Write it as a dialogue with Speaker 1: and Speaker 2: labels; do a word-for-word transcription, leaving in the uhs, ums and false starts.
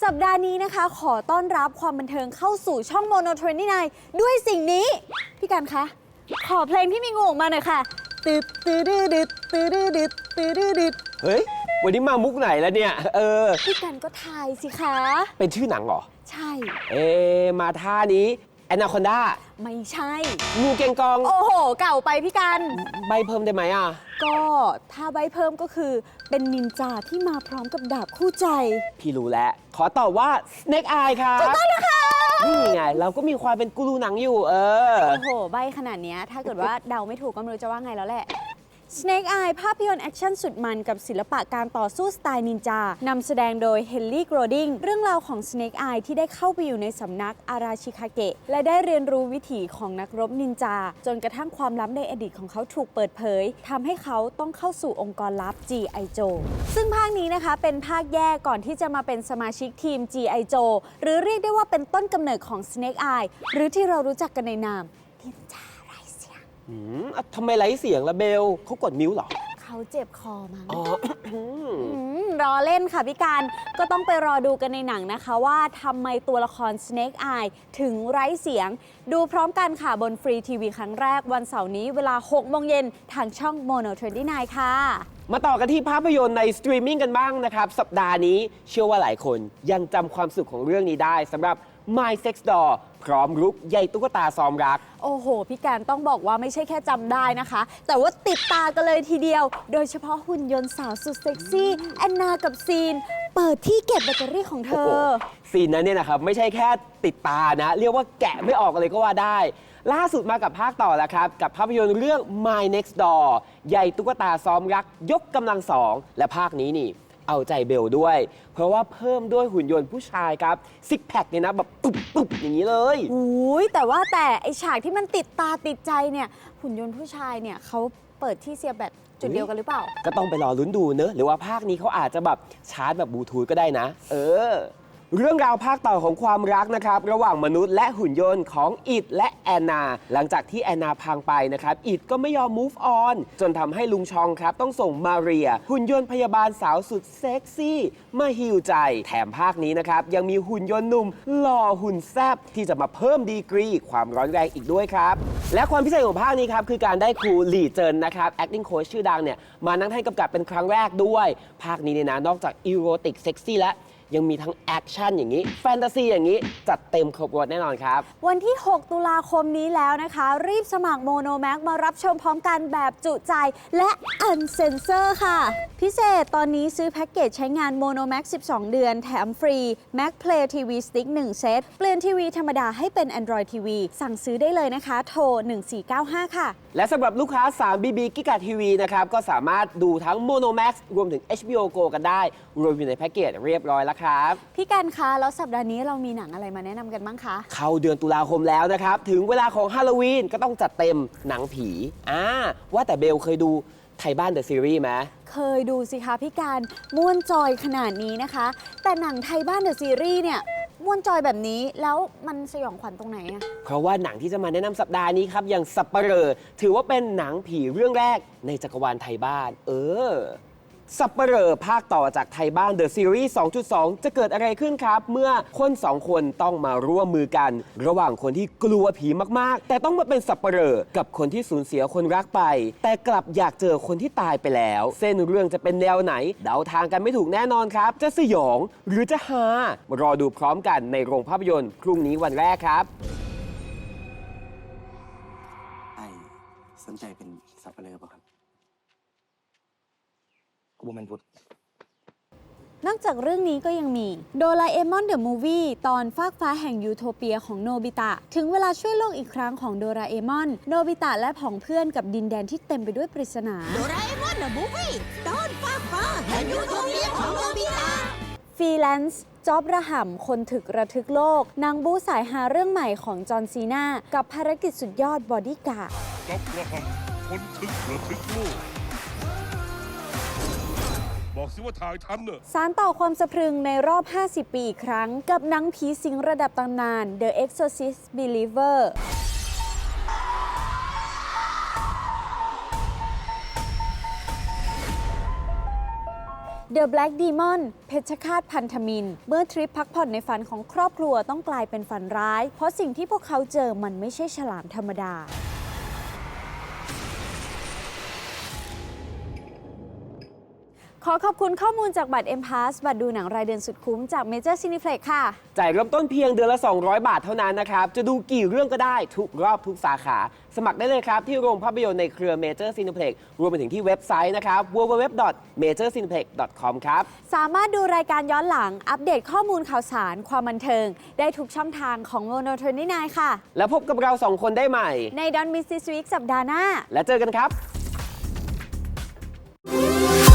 Speaker 1: สัปดาห์นี้นะคะขอต้อนรับความบันเทิงเข้าสู่ช่อง Mono ยี่สิบเก้า ด้วยสิ่งนี้ พี่กันคะขอเพลงที่มีงูออกมาหน่อยค่ะตึ๊ดตึ๊ดดึดตึ๊ดดึดตึ๊ดดึด
Speaker 2: เฮ้ยวันนี้มามุกไหนแล้วเนี่ยเออ
Speaker 1: พี่กันก็ทายสิคะ
Speaker 2: เป็นชื่อหนังเหรอ
Speaker 1: ใช่
Speaker 2: เอมาท่านี้แอนนาคอนดา
Speaker 1: ไม่ใช่
Speaker 2: งูเกงกอง
Speaker 1: โอ้โหเก่าไปพี่กัน
Speaker 2: ใบเพิ่มได้ไหมอ่ะ
Speaker 1: ก็ถ้าใบเพิ่มก็คือเป็นนินจาที่มาพร้อมกับดาบคู่ใจ
Speaker 2: พี่รู้แล้วขอตอบว่า Snake Eye ครับ
Speaker 1: ถูกต้องนะคะ
Speaker 2: นี่ไงเราก็มีความเป็นกูรูหนังอยู่เออ
Speaker 1: โอ้โหใบขนาดนี้ถ้าเกิดว่าเดาไม่ถูกก็ไม่รู้จะว่าไงแล้วแหละ Snake Eye ภาพยนตร์แอคชั่นสุดมันกับศิลปะการต่อสู้สไตล์นินจานำแสดงโดยเฮนรี่ โกลดิงเรื่องราวของ Snake Eye ที่ได้เข้าไปอยู่ในสำนักอาราชิคาเกะและได้เรียนรู้วิถีของนักรบนินจาจนกระทั่งความลับในอดีตของเขาถูกเปิดเผยทำให้เขาต้องเข้าสู่องค์กรลับ จี ไอ Joe ซึ่งภาคนี้นะคะเป็นภาคแยกก่อนที่จะมาเป็นสมาชิกทีม จี ไอ Joe หรือเรียกได้ว่าเป็นต้นกำเนิดของ Snake Eye หรือที่เรารู้จักกันในนามนินจาไร้เสียง
Speaker 2: อืมทำไมไร้เสียงละเบลเขากดมิวหรอ
Speaker 1: เขาเจ็บคอมั้ง
Speaker 2: อ๋อ
Speaker 1: รอเล่นค่ะพี่การก็ต้องไปรอดูกันในหนังนะคะว่าทำไมตัวละคร Snake Eye ถึงไร้เสียงดูพร้อมกันค่ะบนฟรีทีวีครั้งแรกวันเสาร์นี้เวลาหกโมงเย็นทางช่อง Mono ยี่สิบเก้า ค่ะ
Speaker 2: มาต่อกันที่ภาพยนตร์ในสตรีมมิ่งกันบ้างนะครับสัปดาห์นี้เชื่อว่าหลายคนยังจำความสุขของเรื่องนี้ได้สำหรับ My Sex Doll พร้อมรุกใยตุ๊กตาซ้อมรัก
Speaker 1: โอ้โหพี่การต้องบอกว่าไม่ใช่แค่จำได้นะคะแต่ว่าติดตากันเลยทีเดียวโดยเฉพาะหุ่นยนต์สาวสุดเซ็กซี่แอนนากับซีนเปิดที่เก็บแบตเตอรี่ของเธอ
Speaker 2: ซีนนั้นเนี่ยนะครับไม่ใช่แค่ติดตานะเรียกว่าแกะไม่ออกเลยก็ว่าได้ล่าสุดมากับภาคต่อแล้วครับกับภาพยนตร์เรื่อง My Next Door ใยตุ๊กตาซ้อมรักยกกำลังสองและภาคนี้นี่เอาใจเบลด้วยเพราะว่าเพิ่มด้วยหุ่นยนต์ผู้ชายครับซิกแพคเนี่ยนะแบบปุ๊บปุ๊บอย่างนี้เลย
Speaker 1: อุ้ยแต่ว่าแต่ไอฉากที่มันติดตาติดใจเนี่ยหุ่นยนต์ผู้ชายเนี่ยเขาเปิดที่เสียบแบตจุดเดียวกันหรือเปล่า
Speaker 2: ก็ต้องไปรอลุ้นดูเนอะหรือว่าภาคนี้เขาอาจจะแบบชาร์จแบบบลูทูธก็ได้นะเออเรื่องราวภาคต่อของความรักนะครับระหว่างมนุษย์และหุ่นยนต์ของอิดและแอนนาหลังจากที่แอนนาพังไปนะครับอิดก็ไม่ยอม move on จนทำให้ลุงชองครับต้องส่งมาเรียหุ่นยนต์พยาบาลสาวสุดเซ็กซี่มาฮีลใจแถมภาคนี้นะครับยังมีหุ่นยนต์หนุ่มหล่อหุ่นแซ่บที่จะมาเพิ่มดีกรีความร้อนแรงอีกด้วยครับและความพิเศษของภาคนี้ครับคือการได้ครูหลี่เจินนะครับ acting coach ชื่อดังเนี่ยมานั่งให้กำกับเป็นครั้งแรกด้วยภาคนี้เนี่ยนะนอกจากอีโรติกเซ็กซี่และยังมีทั้งแอคชั่นอย่างนี้แฟนตาซีอย่างนี้จัดเต็มครบรถแน่นอนครับ
Speaker 1: วันที่หกตุลาคมนี้แล้วนะคะรีบสมัครโมโนแม็กมารับชมพร้อมกันแบบจุใจและอันเซนเซอร์ค่ะพิเศษตอนนี้ซื้อแพ็กเกจใช้งานโมโนแม็กสิบสองเดือนแถมฟรี Mac Play ที วี Stick หนึ่งเซตเปลี่ยนทีวีธรรมดาให้เป็น Android ที วี สั่งซื้อได้เลยนะคะโทรหนึ่งสี่เก้าห้าค่ะ
Speaker 2: และสำหรับลูกค้าสาม บี บี Giga ที วี นะครับก็สามารถดูทั้ง Mono Max รวมถึง เอช บี โอ Go กันได้รวมอยู่ในแพ็กเกจเรียบร้อยแล้วครับ
Speaker 1: พี่กันคะแล้วสัปดาห์นี้เรามีหนังอะไรมาแนะนำกันบ้างคะ
Speaker 2: เข้าเดือนตุลาคมแล้วนะครับถึงเวลาของฮาโลวีนก็ต้องจัดเต็มหนังผีอ่าว่าแต่เบลเคยดูไทยบ้านเดอะซีรีส์ไหม
Speaker 1: เคยดูสิคะพี่การม่วนจอยขนาดนี้นะคะแต่หนังไทยบ้านเดอะซีรีส์เนี่ยม่วนจอยแบบนี้แล้วมันสยองขวัญตรงไหนอะ
Speaker 2: เพราะว่าหนังที่จะมาแนะนำสัปดาห์นี้ครับอย่างสัปเหร่อถือว่าเป็นหนังผีเรื่องแรกในจักรวาลไทยบ้านเออสัปเหร่อภาคต่อจากไทยบ้าน The Series สองจุดสอง จะเกิดอะไรขึ้นครับเมื่อคนสองคนต้องมาร่วมมือกันระหว่างคนที่กลัวผีมากๆแต่ต้องมาเป็นสัปเหร่อกับคนที่สูญเสียคนรักไปแต่กลับอยากเจอคนที่ตายไปแล้วเส้นเรื่องจะเป็นแนวไหนเดาทางกันไม่ถูกแน่นอนครับจะสยองหรือจะฮารอดูพร้อมกันในโรงภาพยนตร์พรุ่งนี้วันแรกครับ
Speaker 3: ไอ้สนใจเป็นสับปะเลอป่ะครับกูบ่แม่นพุทธ
Speaker 1: นอกจากเรื่องนี้ก็ยังมีโดราเอมอนเดอะมูฟวี่ตอนฟากฟ้าแห่งยูโทเปียของโนบิตะถึงเวลาช่วยโลกอีกครั้งของโดราเอมอนโนบิตะและผองเพื่อนกับดินแดนที่เต็มไปด้วยปริศนา
Speaker 4: โดราเอมอนเดอะมูฟวี่ตอนฟากฟ้าแห่งยูโทเปียของโนบิตะ
Speaker 1: ฟรีแลนซ์จ็อบระห่ำคนถึกระทึกโลกนางบู๊สายหาเรื่องใหม่ของจอห์นซีนากับภารกิจสุดยอดบอดี้การ์ด
Speaker 5: จ็อบระห่ำคนถึกระทึกโลกบอกสิว่าถ่ายทันเนอะ
Speaker 1: สารต่อความสะพรึงในรอบห้าสิบปีอีกครั้งกับหนังผีสิงระดับตำนาน The Exorcist Believer The Black Demon เพชฌฆาตพันธมิตรเมื่อทริปพักผ่อนในฝันของครอบครัวต้องกลายเป็นฝันร้าย เพราะสิ่งที่พวกเขาเจอมันไม่ใช่ฉลามธรรมดา ขอขอบคุณข้อมูลจากบัตร M Pass บัตรดูหนังรายเดือนสุดคุ้มจาก Major Cineplex ค่ะ
Speaker 2: จ่ายเริ่มต้นเพียงเดือนละ สองร้อย บาทเท่านั้นนะครับ จะดูกี่เรื่องก็ได้ทุกรอบทุกสาขา สมัครได้เลยครับ ที่โรงภาพยนตร์ในเครือ Major Cineplex รวมไปถึงที่เว็บไซต์นะครับ ดับเบิลยู ดับเบิลยู ดับเบิลยู ดอท เมเจอร์ ซีนิเพล็กซ์ ดอท คอม ครับ
Speaker 1: สามารถดูรายการย้อนหลังอัปเดตข้อมูลข่าวสาร ความบันเทิง ได้ทุกช่องทางของ โมโน ยี่สิบเก้า ค่ะ
Speaker 2: แล้วพบกับเราสองคนได้ใหม่
Speaker 1: ใน Don't Miss This Week สัปดาห์หน้า
Speaker 2: และเจอกันครับ